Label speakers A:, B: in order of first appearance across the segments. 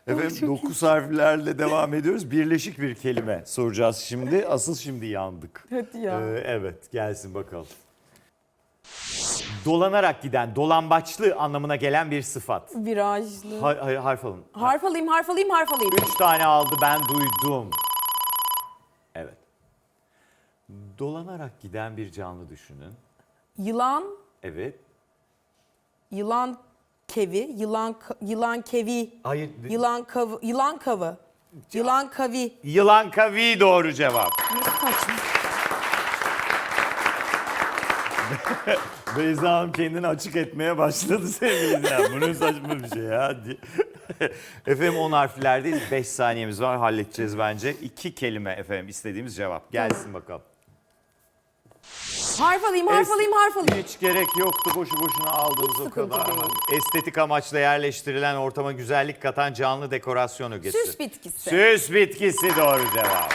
A: Efendim 9 harflerle devam ediyoruz. Birleşik bir kelime soracağız şimdi. Asıl şimdi yandık.
B: Hadi ya.
A: Evet, gelsin bakalım. Dolanarak giden, dolambaçlı anlamına gelen bir sıfat.
B: Virajlı.
A: Hayır, harf alın.
B: Harf alayım, harf alayım, harf alayım.
A: 3 tane aldı, ben duydum. Evet. Dolanarak giden bir canlı düşünün.
B: Yılan,
A: Evet.
B: yılan kevi, yılan kevi,
A: Hayır.
B: yılan kavı, yılan kavı, yılan kavi.
A: Yılan kavi doğru cevap.
B: Ne saçma.
A: Beyza Hanım kendini açık etmeye başladı sevgili izleyen. Bu ne saçma bir şey ya. diye. Efendim 10 harflerdeyiz. 5 saniyemiz var. Halledeceğiz bence. 2 kelime efendim istediğimiz cevap. Gelsin bakalım.
B: Harf alayım, harf alayım, harf alayım.
A: Hiç gerek yoktu. Boşu boşuna aldığınız
B: Hiç
A: o
B: sıkıntı
A: kadar.
B: değil.
A: Estetik amaçla yerleştirilen, ortama güzellik katan canlı dekorasyon ögesi.
B: Süs bitkisi.
A: Süs bitkisi doğru cevap.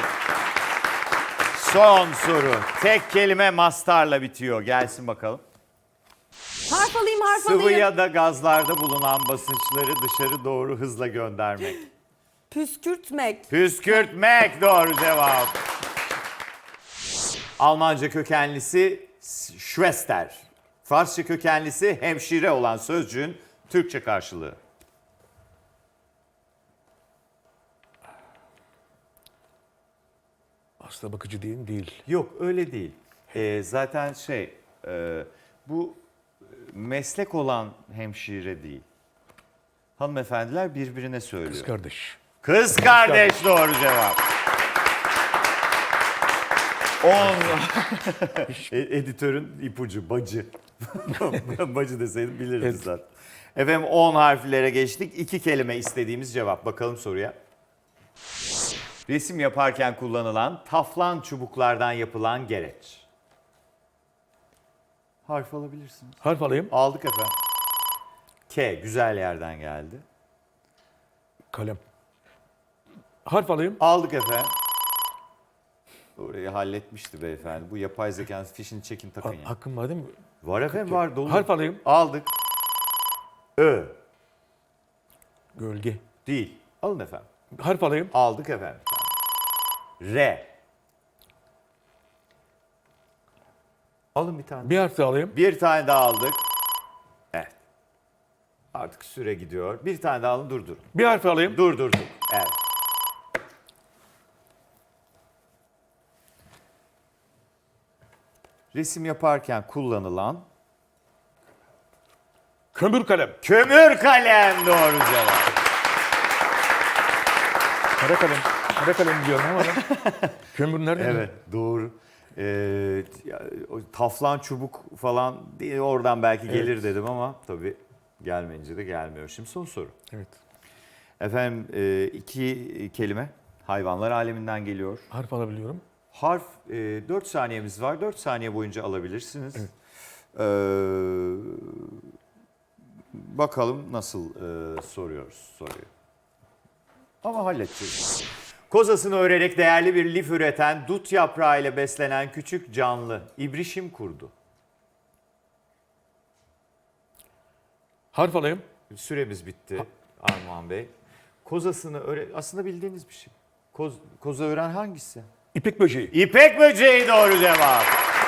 A: Son soru. Tek kelime mastarla bitiyor. Gelsin bakalım.
B: Harf alayım, harf
A: Sıvı
B: alayım.
A: ya da gazlarda bulunan basınçları dışarı doğru hızla göndermek.
B: Püskürtmek.
A: Püskürtmek doğru cevap. Almanca kökenlisi Schwester. Farsça kökenlisi hemşire olan sözcüğün Türkçe karşılığı.
C: Hasta bakıcı değil mi? Değil.
A: Yok öyle değil. Zaten bu meslek olan hemşire değil. Hanımefendiler birbirine söylüyor.
C: Kız kardeş.
A: Kız kardeş doğru cevap. 10. Editörün ipucu bacı. Bacı deseydim bilirdi
C: Evet.
A: zaten. Efendim 10 harflere geçtik. 2 kelime istediğimiz cevap. Bakalım soruya. Resim yaparken kullanılan taflan çubuklardan yapılan gereç. Harf alabilirsiniz.
C: Harf alayım.
A: Aldık efendim. K güzel yerden geldi.
C: Kalem. Harf alayım.
A: Aldık efendim. Orayı halletmişti beyefendi. Bu yapay zekanın fişini çekin takın ya.
C: Hakkım var değil mi?
A: Var efendim var dolu.
C: Harf alayım.
A: Aldık. Ö.
C: Gölge.
A: Değil. Alın efendim.
C: Harf alayım.
A: Aldık efendim. R. Alın bir tane.
C: Bir harf daha alayım.
A: Bir tane daha aldık. Evet. Artık süre gidiyor. Bir tane daha alın durdurun.
C: Bir harf alayım.
A: Durdurduk. Evet. Resim yaparken kullanılan
C: Kömür kalem.
A: kömür kalem doğru cevap.
C: Kara kalem. Kara kalem diyorum ama ben. Kömür nerede?
A: Evet doğru. O taflan çubuk falan diye oradan belki gelir dedim ama tabii gelmeyince de gelmiyor. Şimdi son soru.
C: Evet.
A: Efendim 2 kelime hayvanlar aleminden geliyor.
C: Harf alabiliyorum.
A: Harf 4 saniyemiz var. 4 saniye boyunca alabilirsiniz.
C: Evet.
A: Bakalım nasıl soruyoruz soruyu. Ama halledeceğiz. Kozasını örerek değerli bir lif üreten, dut yaprağı ile beslenen küçük canlı ibrişim kurdu.
C: Harf alayım.
A: Süremiz bitti Armağan Bey. Kozasını aslında bildiğiniz bir şey. Koza ören hangisi?
C: İpek böceği.
A: İpek böceği doğru cevap.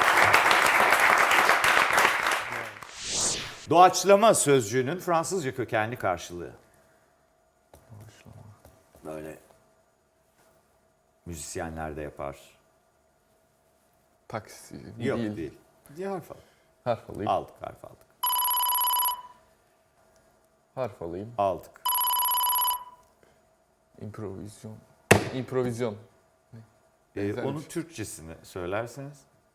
A: Doğaçlama sözcüğünün Fransızca kökenli karşılığı. Böyle müzisyenler de yapar.
D: Taksi
A: Yok
D: değil.
A: değil. Diye harf al.
D: Harf alayım.
A: Aldık harf aldık.
D: Harf alayım.
A: Aldık.
D: İmprovizyon. İmprovizyon. Benzer
A: Onun
D: bir şey.
A: Türkçesini söylerseniz.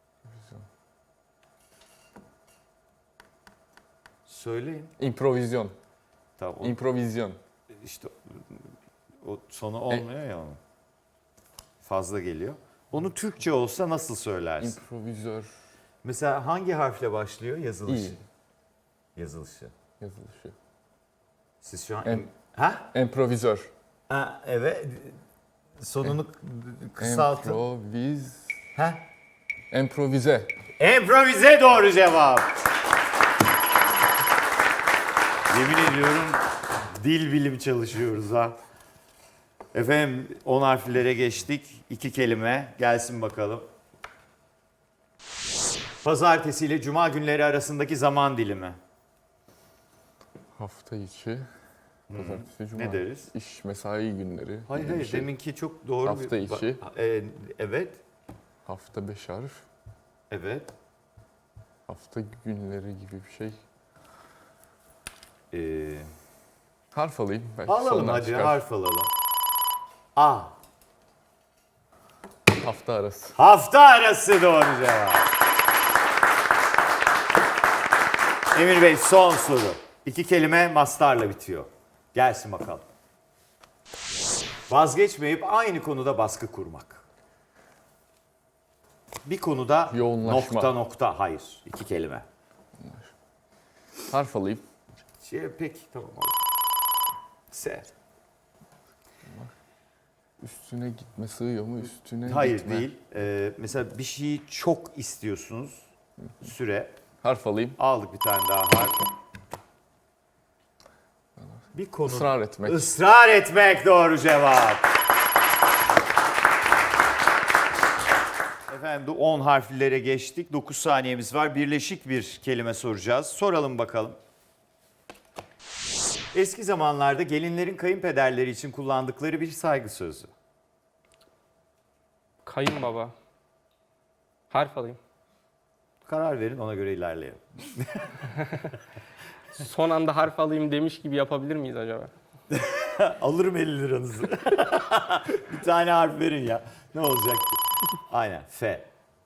A: Söyleyin.
D: İmprovizyon.
A: Tamam.
D: İmprovizyon.
A: İşte o sonu olmuyor ya onun. Fazla geliyor. Onu Türkçe olsa nasıl söylersin?
D: İmprovizör.
A: Mesela hangi harfle başlıyor yazılışı?
D: İyi.
A: Yazılışı.
D: Yazılışı.
A: Siz şu an...
D: Em-
A: Ha?
D: Improvizör.
A: Ha, evet. Sonunu kısaltın. Ha?
D: Improvize.
A: Improvize doğru cevap. Yemin ediyorum Dil bilimi çalışıyoruz ha. Efendim 10 harflere geçtik. 2 kelime gelsin bakalım. Pazartesi ile cuma günleri arasındaki zaman dilimi.
D: Hafta içi. Pazartesi, cuma.
A: Ne deriz?
D: İş, mesai günleri.
A: Hayır
D: gibi bir
A: hayır
D: şey.
A: deminki çok doğru
D: Hafta içi.
A: Evet.
D: Hafta 5 harf.
A: Evet.
D: Hafta günleri gibi bir şey.
A: Ee,
D: Harf alayım. Belki
A: alalım
D: sonradan
A: hadi
D: çıkar.
A: harf alalım. A.
D: Hafta arası.
A: Hafta arası doğru cevap. Emir Bey son soru. 2 kelime mastarla bitiyor. Gelsin bakalım. Vazgeçmeyip aynı konuda baskı kurmak. Bir konuda
D: Yoğunlaşma.
A: nokta hayır. 2 kelime.
D: Harf alayım.
A: Peki tamam. S.
D: Üstüne gitme sığıyor mu? Üstüne
A: Hayır
D: gitme.
A: değil. Mesela bir şeyi çok istiyorsunuz. Süre.
D: Harf alayım.
A: Aldık bir tane daha harf. Bir konu.
D: Israr etmek.
A: Israr etmek doğru cevap. Efendim 10 harflere geçtik. 9 saniyemiz var. Birleşik bir kelime soracağız. Soralım bakalım. Eski zamanlarda gelinlerin kayınpederleri için kullandıkları bir saygı sözü.
E: Kayınbaba. Harf alayım.
A: Karar verin ona göre ilerleyelim.
E: Son anda harf alayım demiş gibi yapabilir miyiz acaba?
A: Alırım 50 liranızı. Bir tane harf verin ya. Ne olacak ki? Aynen. F.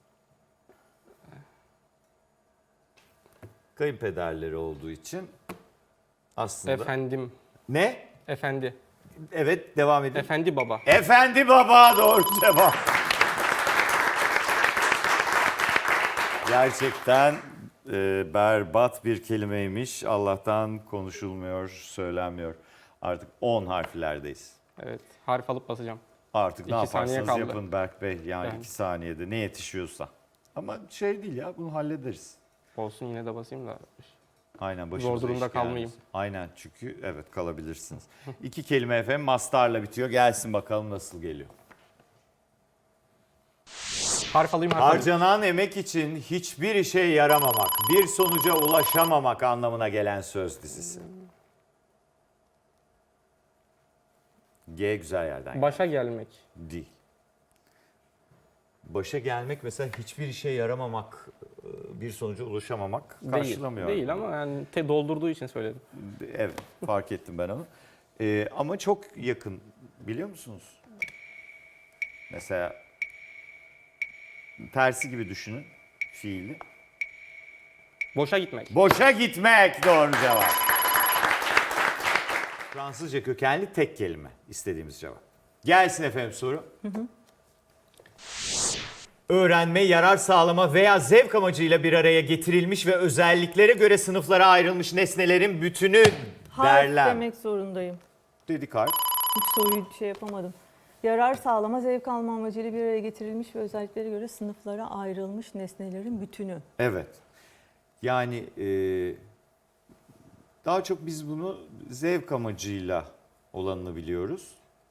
A: Kayınpederleri olduğu için aslında...
E: Efendim.
A: Ne?
E: Efendi.
A: Evet devam edin.
E: Efendi baba.
A: Efendi baba doğru cevap. Gerçekten berbat bir kelimeymiş. Allah'tan konuşulmuyor, söylenmiyor. Artık 10 harflerdeyiz.
E: Evet. Harf alıp basacağım.
A: Artık ne
E: 2 saniye
A: yaparsanız
E: kaldı.
A: yapın Berk Bey. Yani
E: Yani.
A: 2 saniyede ne yetişiyorsa. Ama şey değil ya bunu hallederiz.
E: Olsun yine de basayım da.
A: Aynen başımıza
E: durumda
A: iş
E: kalmayayım.
A: gelmesin. Aynen çünkü evet kalabilirsiniz. 2 kelime efendim mastarla bitiyor. Gelsin bakalım nasıl geliyor.
E: Harf alayım harf alayım.
A: Harcanan emek için hiçbir işe yaramamak, bir sonuca ulaşamamak anlamına gelen söz dizisi. G güzel yerden geldi.
E: Başa gelmek.
A: Değil. Başa gelmek mesela hiçbir işe yaramamak, bir sonuca ulaşamamak karşılamıyor.
E: Değil ama yani doldurduğu için söyledim.
A: Evet fark ettim ben onu. Ama çok yakın biliyor musunuz? Mesela tersi gibi düşünün fiili.
E: Boşa gitmek.
A: Boşa gitmek doğru cevap. Fransızca kökenli tek kelime istediğimiz cevap. Gelsin efendim soru. Öğrenme, yarar sağlama veya zevk amacıyla bir araya getirilmiş ve özelliklere göre sınıflara ayrılmış nesnelerin bütünü
F: Harf
A: derler.
F: demek zorundayım.
A: Dedik harf.
F: Hiç soruyu şey yapamadım. Yarar sağlama, zevk alma amacıyla bir araya getirilmiş ve özelliklere göre sınıflara ayrılmış nesnelerin bütünü.
A: Evet. Yani daha çok biz bunu zevk amacıyla olanını biliyoruz.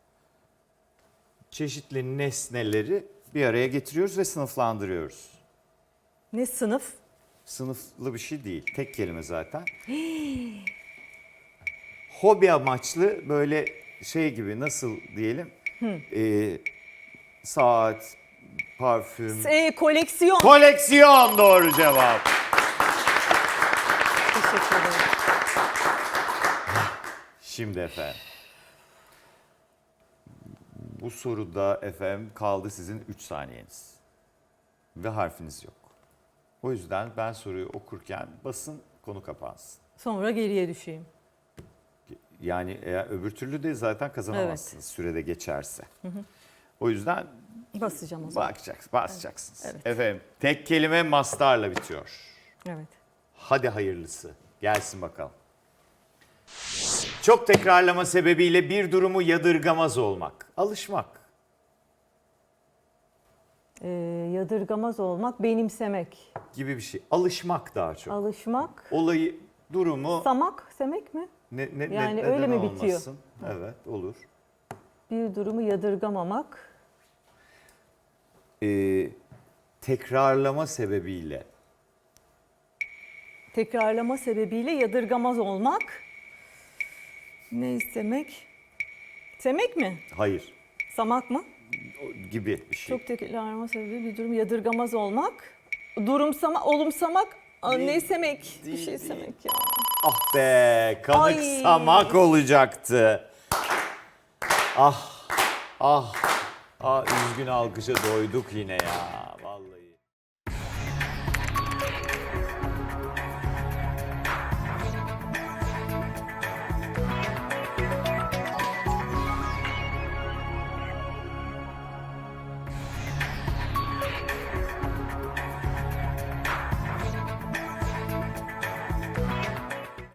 A: Çeşitli nesneleri bir araya getiriyoruz ve sınıflandırıyoruz.
F: Ne sınıf?
A: Sınıflı bir şey değil. Tek kelime zaten. Hobi amaçlı böyle şey gibi nasıl diyelim? Saat, parfüm.
F: Koleksiyon.
A: Koleksiyon doğru cevap.
F: Teşekkür ederim.
A: Şimdi efendim. Bu soruda efendim kaldı sizin 3 saniyeniz. Ve harfiniz yok. O yüzden ben soruyu okurken basın konu kapansın.
F: Sonra geriye düşeyim.
A: Yani eğer öbür türlü de zaten kazanamazsınız sürede geçerse. O yüzden
F: Basacağım o zaman.
A: basacaksınız.
F: Evet.
A: Efendim tek kelime mastarla bitiyor.
F: Evet.
A: Hadi hayırlısı. Gelsin bakalım. Çok tekrarlama sebebiyle bir durumu yadırgamaz olmak. Alışmak.
F: Yadırgamaz olmak, benimsemek.
A: Gibi bir şey. Alışmak daha çok.
F: Alışmak.
A: Olayı, durumu
F: Samak, semek mi? Yani öyle
A: neden
F: mi bitiyor?
A: olmasın? Evet, olur.
F: Bir durumu yadırgamamak.
A: Tekrarlama sebebiyle.
F: Tekrarlama sebebiyle yadırgamaz olmak. Ne istemek? Semek mi?
A: Hayır.
F: Samak mı?
A: Gibi bir şey.
F: Çok tekrarlama sebebi bir durum yadırgamaz olmak. Durumsama, olumsamak. Ne istemek? Bir şey istemek ya.
A: Ah be, kanıksamak
F: Ay.
A: olacaktı. Ah, üzgün alkışa doyduk yine ya. Vallahi.